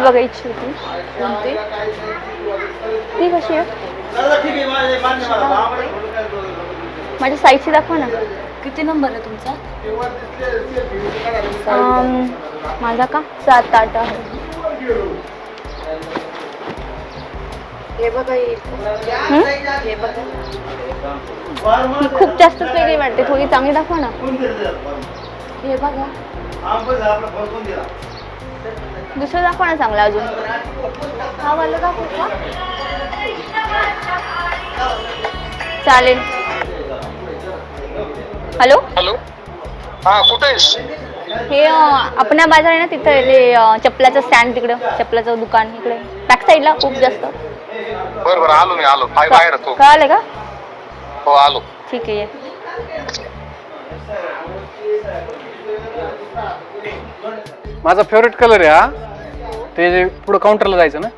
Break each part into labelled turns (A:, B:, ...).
A: बघायची होती.
B: कोणती?
A: ती कशी आहे? माझ्या साईजची दाखवा ना.
B: किती नंबर आहे तुमचा?
A: माझा का 7-8 आहे.
B: हे बघा येईल. हे बघा.
A: ही खूप जास्तच वेगळी वाटते, थोडी चांगली दाखवा ना.
B: हे बघा.
A: दुसरं दाखवा ना चांगला अजून.
B: हा वाला दाखवू का?
A: चालेल. हॅलो
C: हॅलो, हा कुठे आहेस?
A: हे अपना बाजार आहे ना, तिथं आहे ते चपलाचं स्टँड, तिकडं चपलाचं दुकान इकडे बॅक साईडला खूप जास्त.
C: बरं बरं, आलो मी आलो. बाहेर होतो.
A: कळालं का?
C: हो आलो.
A: ठीक आहे.
D: माझा फेवरेट कलर आहे हा. ते पुढे काउंटरला जायचं ना.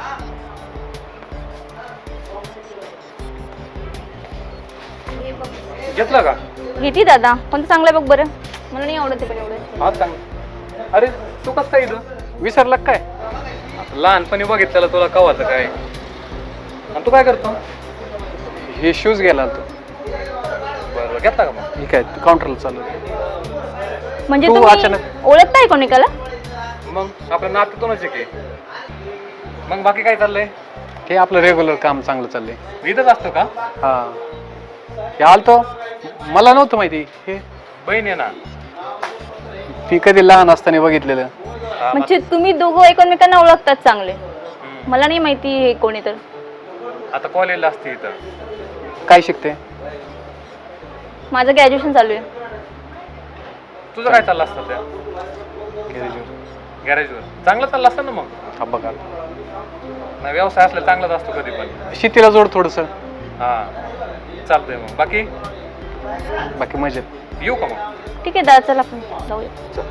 D: घेतला का?
A: घेती दादा, कोणतं चांगलं आहे बघ बरं. मला नाही आवडत ते पण एवढं.
D: हा चांगलं. अरे तू कसं काय इथं विसरला काय? लहानपणी बघितलेलं तुला कवाचं काय. आणि तू काय करतो? हे शूज गेला तू. बरं घेतला का मग? ठीक आहे, काउंटरला चालू.
A: म्हणजे
D: तू
A: तुम्ही
D: अचानक
A: ओळखताय कोणिकाला?
D: मग आपल्या नात्यातूनच आहे की. मग बाकी काय चाललंय? हे आपलं रेग्युलर काम चांगलं चाललंय. इथंच असतो का? हा, हे आलतो. मला नव्हतं माहिती. हे बहीण आहे ना, ती कधी लहान असताना बघितलेलं.
A: म्हणजे तुम्ही दोघं एकमेकांना ओळखतात चांगले. मला नाही माहिती हे कोणी. तर
D: आता कॉलेजला असते इथं. काय शिकते?
A: माझं ग्रॅज्युएशन चालू आहे.
D: तुझं काय चाललं असतं त्या गॅरेजवर? चांगलं चाललं असतं ना मग. हा बघा, नाही व्यवसाय असला चांगलाच असतो कधी पण. शेतीला जोड थोडस. हा चालतंय. मग बाकी बाकी मजेत. येऊ का मग?
A: ठीक आहे दादा, चला आपण जाऊया.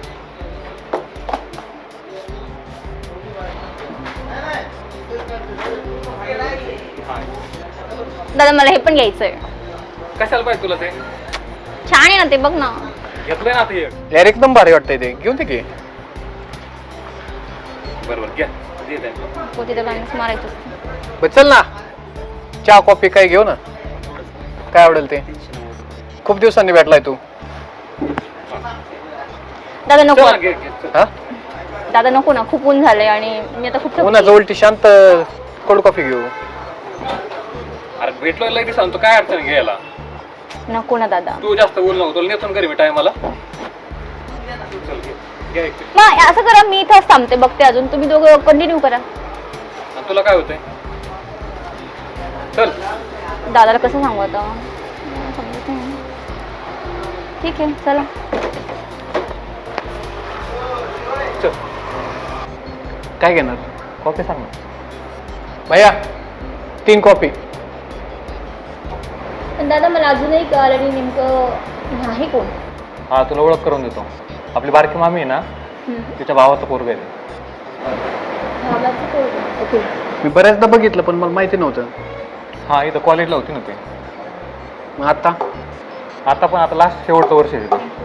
A: दादा मला हे पण घ्यायचंय.
D: कशाला पाहिजे तुला ते?
A: छान आहे ना ते, बघ ना.
D: घेतलंय ना ते यार, एकदम भारी वाटतंय ते. घेऊन दे की. बरोबर घ्या.
A: तिथे बॅलन्स मारायचं असतं.
D: बरं चल ना, चहा कॉफी काय घेऊ ना. काय आवडेल ते. खूप दिवसांनी भेटलाय तू.
A: दादा नको.
D: हा
A: दादा नको ना, खूप ऊन झालंय आणि मी आता खूप
D: उन्हाचं उलटी शांत कोल्ड कॉफी घेऊ. अरे भेटलो लगेच सांगतो, काय अडचण घ्यायला.
A: नको ना दादा.
D: तू जास्त बोल नको, तुला नेतो घरी मी टायमाला.
A: मग असं करा, मी इथंच थांबते, बघते अजून. तुम्ही दोघं कंटिन्यू करा.
D: तुला काय होतंय? चल.
A: दादाला कसं सांगू आता? समजत नाही. ठीक आहे चला.
D: चल. काय घेणार? कॉफी सांग ना भैया. 3 कॉफी.
A: पण दादा मला अजूनही कळलं नाही नेमकं आहे कोण.
D: हा तुला ओळख करून देतो. आपली बारकी मामी आहे ना, तिच्या भावाचं पोरग आहे.
A: ओके.
D: मी बऱ्याचदा बघितलं पण मला माहिती नव्हतं. हा इथं कॉलेजला होती ना ते. मग आता पण आता लास्ट शेवटचं वर्ष आहे तिथं.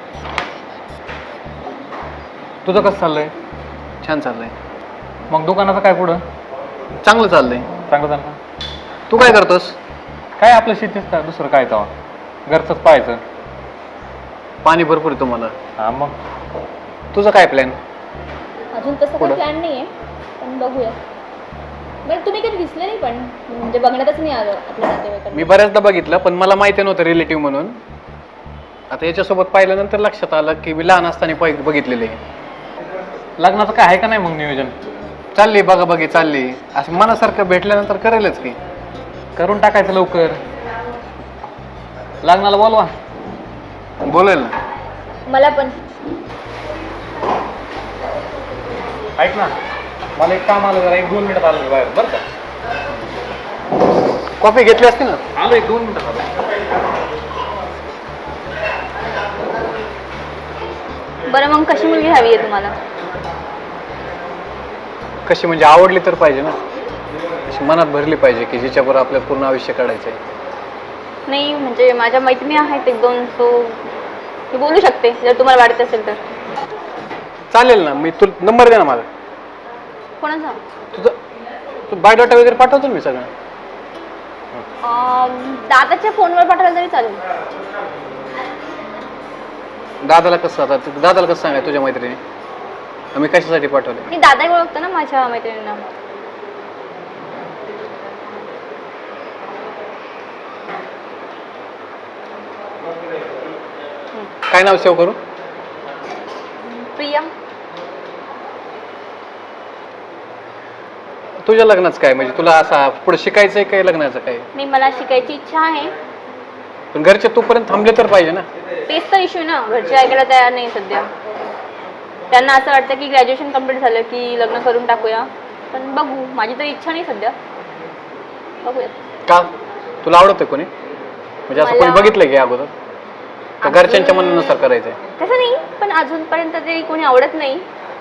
D: तुझं कसं चाललंय? छान चाललंय. मग दुकानाचं काय पुढं? चांगलं चाललंय. चांगलं चाललं. तू काय करतोस? काय आपलं शेतीच का, दुसरं काय तेव्हा घरचंच पाहायचं. पाणी भरपूर आहे तुम्हाला. हा मग तुझं काय प्लॅन?
A: अजून तसं काही प्लॅन नाही आहे, पण बघूया. बरं तुम्ही कधी दिसले नाही, पण म्हणजे बघण्यातच नाही आलं आपल्या नातेवाईकांना.
D: मी बऱ्याचदा बघितलं पण मला माहिती नव्हतं रिलेटिव्ह म्हणून. आता याच्यासोबत पाहिल्यानंतर लक्षात आलं की मी लहान असताना बघितलेले. लग्नाचं काय आहे का नाही मग नियोजन? चालली बघा बघी चालली. असं मनासारखं भेटल्यानंतर करेलच की. करून टाकायचं लवकर. लग्नाला बोलवा. बोलेल ना.
A: मला पण.
D: ऐक ना, मला एक काम आलं, जरा 1-2 मिनिटात आलं बाहेर. बरं का? कॉफी घेतली असती ना. आलो 1-2 मिनिटात आलो.
A: बरं मग कशी मुलगी हवी आहे तुम्हाला?
D: कशी म्हणजे आवडली तर पाहिजे ना. अशी मनात भरली पाहिजे की जिच्याबरोबर आपल्याला पूर्ण आयुष्य काढायचं आहे.
A: नाही म्हणजे माझ्या मैत्रिणी आहेत 1-2, सो मी बोलू शकते जर तुम्हाला वाटत असेल तर.
D: चालेल ना. मी तू नंबर दे ना माझा.
B: कोणाचा
D: तुझं तू बायोडाटा वगैरे पाठवतो ना मी सगळं.
A: दादाच्या फोनवर पाठवलं तरी चालेल.
D: दादाला कसं सांगाय तुझ्या मैत्रिणी आम्ही कशासाठी पाठवले?
A: मी दादा ओळखतो ना माझ्या मैत्रिणींना.
D: काय नाव सेव्ह करू?
A: प्रिया.
D: तुझ्या लग्नाचं काय म्हणजे तुला असा पुढे शिकायचंय काय लग्नाचं काय?
A: नाही, मला शिकायची इच्छा आहे.
D: पण घरचे तोपर्यंत थांबले तर पाहिजे ना.
A: तेच तर इश्यू ना, घरचे ऐकायला तयार नाही सध्या. त्यांना असं वाटतं की ग्रॅज्युएशन कम्प्लीट झालं की लग्न करून टाकूया. पण बघू, माझी तर इच्छा नाही सध्या. बघूया.
D: का तुला आवडतं कोणी म्हणजे असं कोणी बघितलंय की अगोदर का घरच्यांच्या मनानुसार करायचंय?
A: तसं नाही, पण अजूनपर्यंत तरी कोणी आवडत नाही.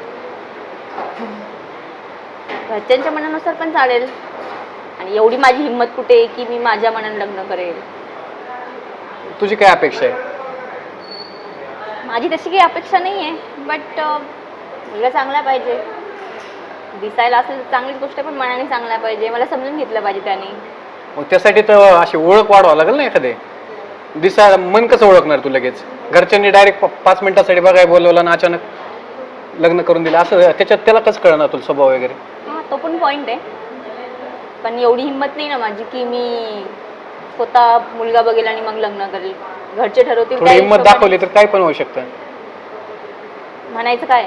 A: घरच्यांच्या मनानुसार पण चालेल. आणि एवढी माझी हिंमत कुठे आहे की मी माझ्या मनाने लग्न करेल.
D: तुझी काय अपेक्षा आहे?
A: माझी तशी काही अपेक्षा नाही आहे, बट मुलगा चांगला पाहिजे. दिसायला असेल तर चांगलीच गोष्ट आहे, पण मनाने चांगला पाहिजे. मला समजून घेतलं पाहिजे त्याने.
D: मग त्यासाठी तर अशी ओळख वाढवावं लागेल ना एखादे. दिसायला मन कसं ओळखणार तू लगेच? घरच्यांनी डायरेक्ट 5 मिनिटासाठी बघाय बोलवलं ना अचानक लग्न करून दिलं असं त्याच्यात त्याला कसं कळणार तुला स्वभाव वगैरे?
A: हां, तो पण पॉईंट आहे. पण एवढी हिंमत नाही ना माझी की मी स्वतः मुलगा बघेल आणि मग लग्न करेल. घरचे ठरवतील.
D: थोडी हिंमत दाखवली तर काय पण होऊ शकतं.
A: म्हणायचं काय?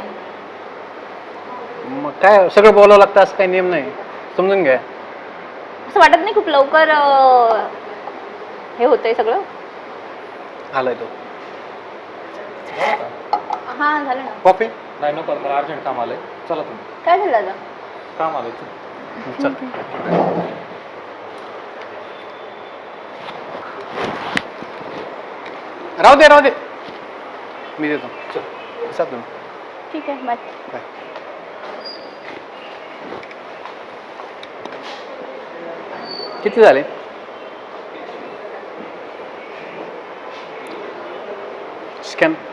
D: मग काय सगळं बोलावं लागतं असं काही नियम नाही, समजून घ्या.
A: असं वाटत नाही खूप लवकर हे होतंय सगळं?
D: आलाय तो.
A: हां, झालं ना.
D: कॉफी
E: नाही नको, मला अर्जंट काम आलंय. चला तुम्ही.
A: काय झालं दादा?
E: काम आलंय.
D: चल. राहू दे मी देतो. चल तुम्ही.
A: ठीक आहे, बाय.
D: बाय. किती झाले? स्कॅन